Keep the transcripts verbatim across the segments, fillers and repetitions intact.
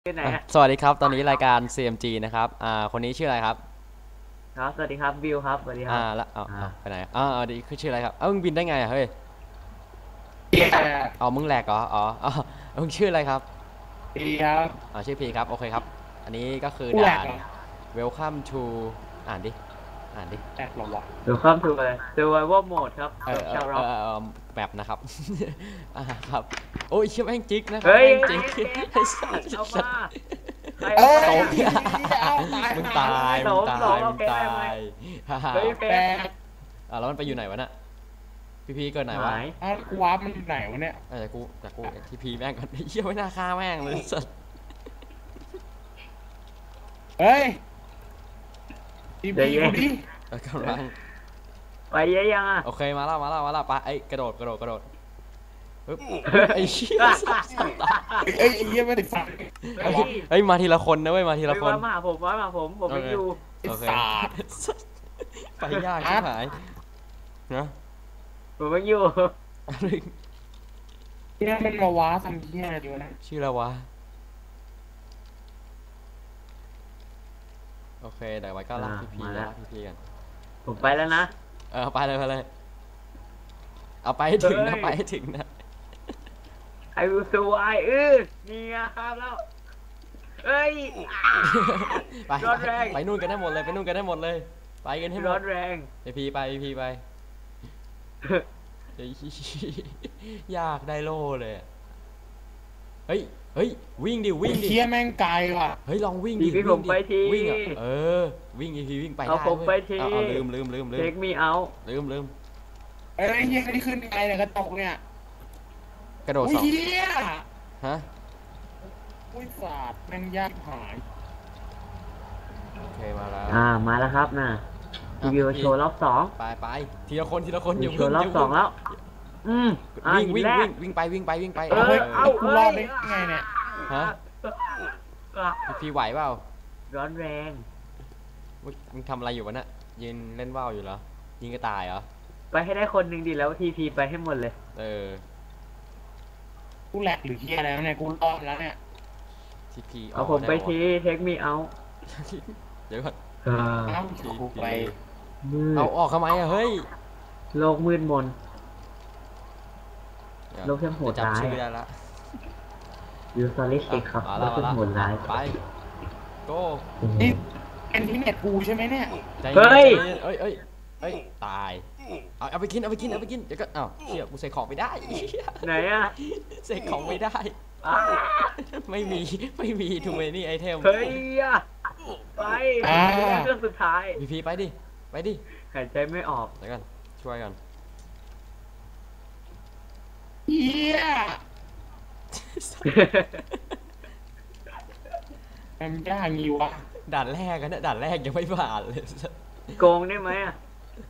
ที่ไหนฮะสวัสดีครับตอนนี้รายการ ซี เอ็ม จี นะครับอ่าคนนี้ชื่ออะไรครับครับสวัสดีครับบิวครับสวัสดีคอ่ารับแล้วเอาอ่าเอาไปไหนอ่าเอาดีคือชื่ออะไรครับเอ้ามึงบินได้ไงอ่ะเฮ้ยดีคเอามึงแหลกเหรออ๋ออ๋อมึงชื่ออะไรครับดีครับอ๋อชื่อพีครับโอเคครับอันนี้ก็คือผู้แหลด่านกเหรอ Welcome to อ่านดิอ่านดิแหลกเหรอวะเดี๋ยวข้ามถูกเลย Survival Mode ครับเออเออชาวร็อกเออเออแบบนะครับอ่าครับโอ้ยเชื่อแม่งจิกนะครับเฮ้ยแม่งจิกไอ้สัสเอามาใครเอ้เอายไปเอาตายมึงตายมึงตายมึงตายฮ่าฮ่าเฮ้ยเฟแปลซกอ่าแล้วมันไปอยู่ไหนวะน่ะพี่พีเกิดไหนวะหายอ้าวกูวาร์ปมันอยู่ไหนวะเนี่ยเออแต่กูแต่กูทีพีแม่งก่อนเหี้ยไม่น่าฆ่าแม่งเลยสัสเฮ้ยดีเดี๋ยวพีเย็กูนดิเออกำลังไปเยอะยังอ่ะโอเคมาแล้วมาแล้วมาแล้วไปไอ้กระโดดกระโดดกระโดดปึ๊บไอ้เชี่ยสัสตายเอ้ยไอ้เหี้ยไม่ได้ฟังเฮ้ยเฮ้ยมาทีละคนนะเว้ยมาทีละคนมาหาผมมาหาผมผมไม่อยู่ไอ้โอเคสาดไปยากชิบหายนะผมไม่อยู่อะไรเนี่ยมันมาวาร์ปทำเหี้ยอะไรดีวะเนี่ยชื่ออะไรวะโอเคเดี๋ยวไว้ก็ลากพีพีลากพีพีกันผมไปแล้วนะเออไปเลยไปเลยเอาไปให้ถึงนะไปให้ถึงนะไอ้วิวสวายเออนี่ไงครับแล้วเอ้ยไปร้อนแรงไปนู่นกันได้หมดเลยไปนู่นกันได้หมดเลยไปกันให้หมร้อดนแรงพีพีไปพีพีไป เฮ้ยยากได้โล่เลยอะเฮ้ย เฮ้ย วิ่งดิ วิ่งดิเหี้ยแม่งไกลว่ะเฮ้ย ลองวิ่งดิพี่พี่ผมไปทีวิ่งอ่ะ เออ วิ่งอีพีวิ่งไปเอาได้ผมว้ยไปทีเอาเอาลืมลืมลืมลืเทมคมีเอาลืมลืมเอ้ยไอ้เหี้ยที่ขึ้นไกลเนี่ยกระจกเนี่ยกระโดดอุ้ยสองเหี้ยฮะอุ้ยสาดแม่งยากหายโอเค มาแล้วอ่ามาแล้วครับนะรีวิวโชว์รอบสองไปไปทีละคนทีละคนอย่าโชเพิ่งว์รอบย่าสอเพิ่งแล้ว อืมอ่าวิ่งหินวิ่งแรวิ่กงวิ่งไปวิ่งไปวิ่งไปเอ้ยเอากูรอดได้ไงเนี่ยฮะอ่ะพีพีไหวเปล่าร้อนแรงมึงมึงทำอะไรอยู่วะเนี่ยยืนเล่นว่าวอยู่เหรอ ยิงกระต่ายเหรอไปให้ได้คนหนึ่งดีแล้วทีพีไปให้หมดเลยเออกูแหลกหรือเหี้ยอะไรวะเนี่ยกูรอดแล้วเนี่ยทีพีเอาผมไปทีเทคมีเอาเดี๋ยวก่อนเออเอ้ากูไปมืดเอาออกทำไมอะเฮ้ยโลกมืดมนเดี๋ยวโลกแค่โหดเดี๋ยวร้ายจำชื่อได้ละยูซอลิสติกครับมาโลแล้วกมาแค่แล้วโหดร้ายไปโก้นี่เป็นที่เน็ตกูใช่ไหมเนี่ยใจเฮ้ยเย็นใจเอ้ยเอ้ยเอ้ยตายเอาเอาไปกินเอาไปกินเอาไปกินเดี๋ยวก็อ้าวเชี่ยกูใส่ของไม่ได้ไหนอ่ะใส่ของไม่ได้อ่าไม่มีไม่มีทูเมนี่ไอเทมเฮ้ยอ่ะไปอ่าเรื่องสุดท้ายพีพีไปดิไปดิหายใจไม่ออกเดี๋ยวกันช่วยกันเหี้ยมันยากงี้วะด่านแรกกันนะด่านแรกยังไม่ผ่านเลยโกงได้ไหมอ่ะ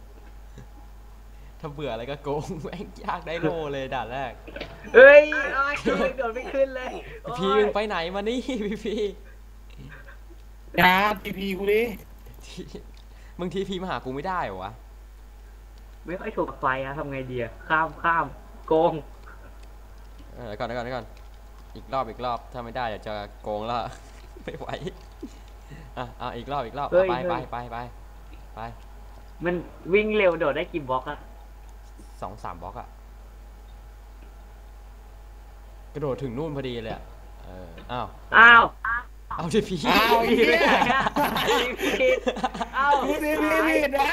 ถ้าเบื่ออะไรก็โกงแม่งยากได้โลเลยด่านแรกเฮ้ยโอ้ยโดดไม่ขึ้นเลยพีโอ้มึยงไปไหนมานี่ พีพียาทีพีกูดิที่มึงทีพีมาหากูไม่ได้เหรอวะไม่ค่อยถูกกับไฟอะทำไงดีอะข้ามข้ามโกงเออเดี๋ยวก่อนเดี๋ยวก่อนเดี๋ยวก่อนอีกรอบอีกรอบถ้าไม่ได้เดี๋ยวจะโกงแล้ว ไม่ไหวอ่ะอ่ะอีกรอบอีกรอบอ่ะไปไปไปไปไปมันวิ่งเร็วโดดได้กี่บล็อกอะสองสามบล็อกอะกระโดดถึงนู่นพอดีเลยอะเอออ้าวอ้าวเอาทีพีอ้าวเหี้ยผิดอ้าวกูทีพีผิดนะ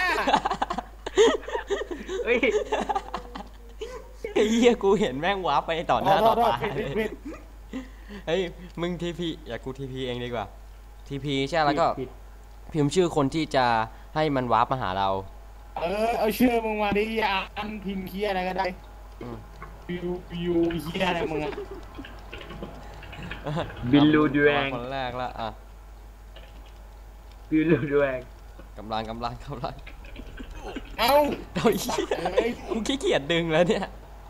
เฮ้ยไอ้เหี้ยกูเห็นแม่งวาร์ปไปต่อหน้าต่อตาผิดผิดผิดเฮ้ยมึงทีพีอย่ากูทีพีเองดีกว่าทีพีใช่แล้วก็ผิดพิมพ์ชื่อคนที่จะให้มันวาร์ปมาหาเราเออเอาชื่อมึงมาดิยาอันพิมพ์เคียอะไรก็ได้อืมบิวบิวเคียอะไรมึงอะบิลลูดวงคนแรกละอ่ะบิลลูดวงกำลังกำลังกำลังเอ้าเฮ้ยเอ้ยกูขี้เกียจดึงแล้วเนี่ย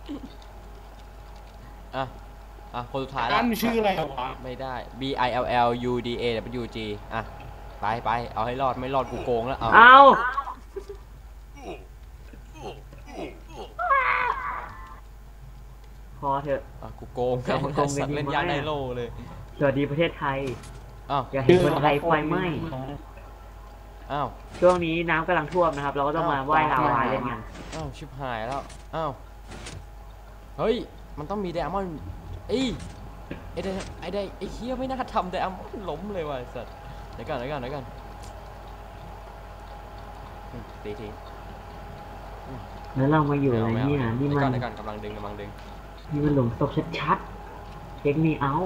อ่ะอ่ะคนสุดท้ายอัละนชื่ออะไรวะไม่ได้ B I L L U D A W G อ่ะไปไปเอาให้รอดไม่รอดกูโกงแล้วเอาเอาพอเถอะอ่ะกูโกงเอามาโกงกันสัตว์เล่นดีไหมยาได้โลเลยสวัสดีประเทศไทยอ้าวอย่าเห็นคนไทยไฟไหม้อ้าวช่วงนี้น้ำกำลังท่วมนะครับ เราก็ต้องมาว่ายลาวาเล่นกันอ้าวชิบหายแล้วอ้าวเฮ้ยมันต้องมีไดอะมอนด์เอ้ยไอ้ไดไอ้ไดไอ้เฮียไม่น่าทำไดอะมอนด์ล้มเลยว่ะไอ้สัสเดี๋ยวก่อนเดี๋ยวก่อนเดี๋ยวก่อนอืมตีทีแล้วเรามาอยู่อะไรไม่เนี่ยอานี่เดี๋ยวมัก่อน นเดี๋ยวก่อนกำลังดึงกำลังดึงนี่มันหลุมศพชัดๆเช็คมีเอา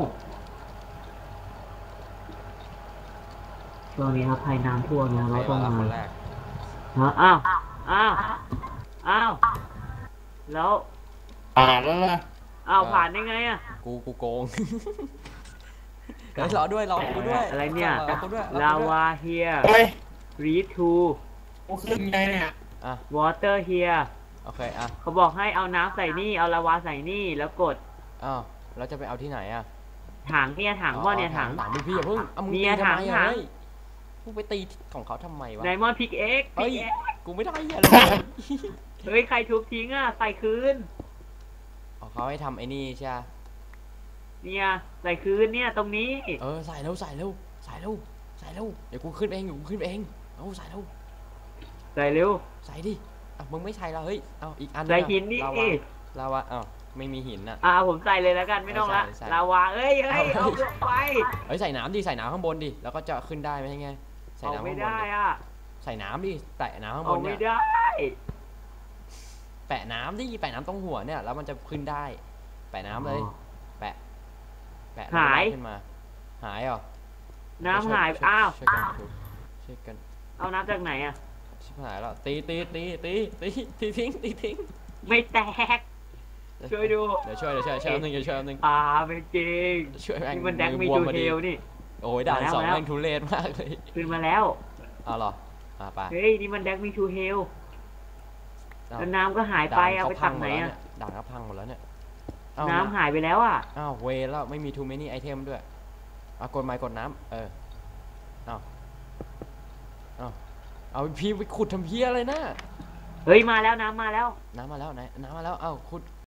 ช่วงนี้ครับภัยน้ำท่วมนะใครเราต้องมาละมาคนแรกฮะอ้าวอ้าวอ้าวแล้วผ่านแล้วล่ะอ้าวผ่านได้ไงอะกูกูโกงเฮ้ยรอด้วยรอกูด้วยอะไรเนี่ยรอกูด้วยรอกูด้วยลาวา here เฮ้ย read to กูขึ้นไงเนี่ยอ่ะ water here โอเคอ่ะเขาบอกให้เอาน้ำใส่นี่เอาลาวาใส่นี่แล้วกดอ้าวเราจะไปเอาที่ไหนอ่ะถังเนี่ยถังพ่อเนี่ยถังถังพี่พี่อย่าเพิ่งเอามึงเนี่ตียทำไมถังอ่ะถังเฮ้ยมึงไปตีของเขาทำไมวะไดมอนด์พิกเอ็กเฮ้ยพิกเอ็กกูไม่ได้อย่าเลยเฮ้ยใครทุบทิ้งอ่ะใส่คืนอ๋อเขาให้ทำไอ้นี่ใช่ปะเนี่ยใส่คืนเนี่ยตรงนี้เออใส่เร็วใส่เร็วใส่เร็วใส่เร็วเดี๋ยวกูขึ้นเองเดี๋ยวกูขึ้นเองเอาใส่เร็วใส่เร็วใส่ดิอ่ะมึงไม่ใส่ละเฮ้ยเอาอีกอันใส่หินนี่ลาวาลาวาอ้าวไม่มีหินอ่ะอ่าผมใส่เลยแล้วกันไม่ต้องละใส่ใส่ลาวาเอ้ยเอ้ยเอาลงไปเฮ้ยใส่น้ำดิใส่น้ำข้างบนดิแล้วก็จะขึ้นได้ไหมไงใส่เอาน้ำไม่ข้างบนได้ดิอ่ะใส่น้ำดิแตะน้ำข้างบเอานไม่เนี่ยได้แปะน้ำดิแปะน้ำตรงหัวเนี่ยแล้วมันจะขึ้นได้ แปะน้ำเลย แปะแปะแล้วมันลอยขึ้นมา หายเหรอน้ำหายช่วอ้าวช่วยกันดูช่วยกันเอาน้ำจากไหนอ่ะชิบหายแล้วตีตีตีตีตีตีทิ้งตีทิ้งไม่แตก ช่วยดูเดี๋ยวช่วยเดี๋ยวช่วยช่วยแป๊บนึงเดี๋ยวช่วยแป๊บนึงอ่าไม่จริงช่วยแม่งนี่มันแดกมีบวทูพอเทดีลนี่โอ้ยด่านมาแล้วสองมาแล้วแม่งทุเรศมากเลยขึ้นมาแล้วเอาเหรออ่ะไปเฮ้ยนี่มันแดกมีทูเทลเอาแล้วน้ำก็หายไปด่นเอาไปพัตังกหมไหนดแล้วอ่ะเนี่ยด่านก็พังหมดแล้วเนี่ยเอาน้ำหายไปแล้วอ่ะอ้าวเวรแล้วไม่มี too many item ด้วยเอากดไม้กดน้ำเออเอาเอาเอาพี่ไปขุดทำเพี้ยอะไรนะเฮ้ยมาแล้วน้ำมาแล้วน้ำมาแล้วไหนน้ำมาแล้วเอ้าขุด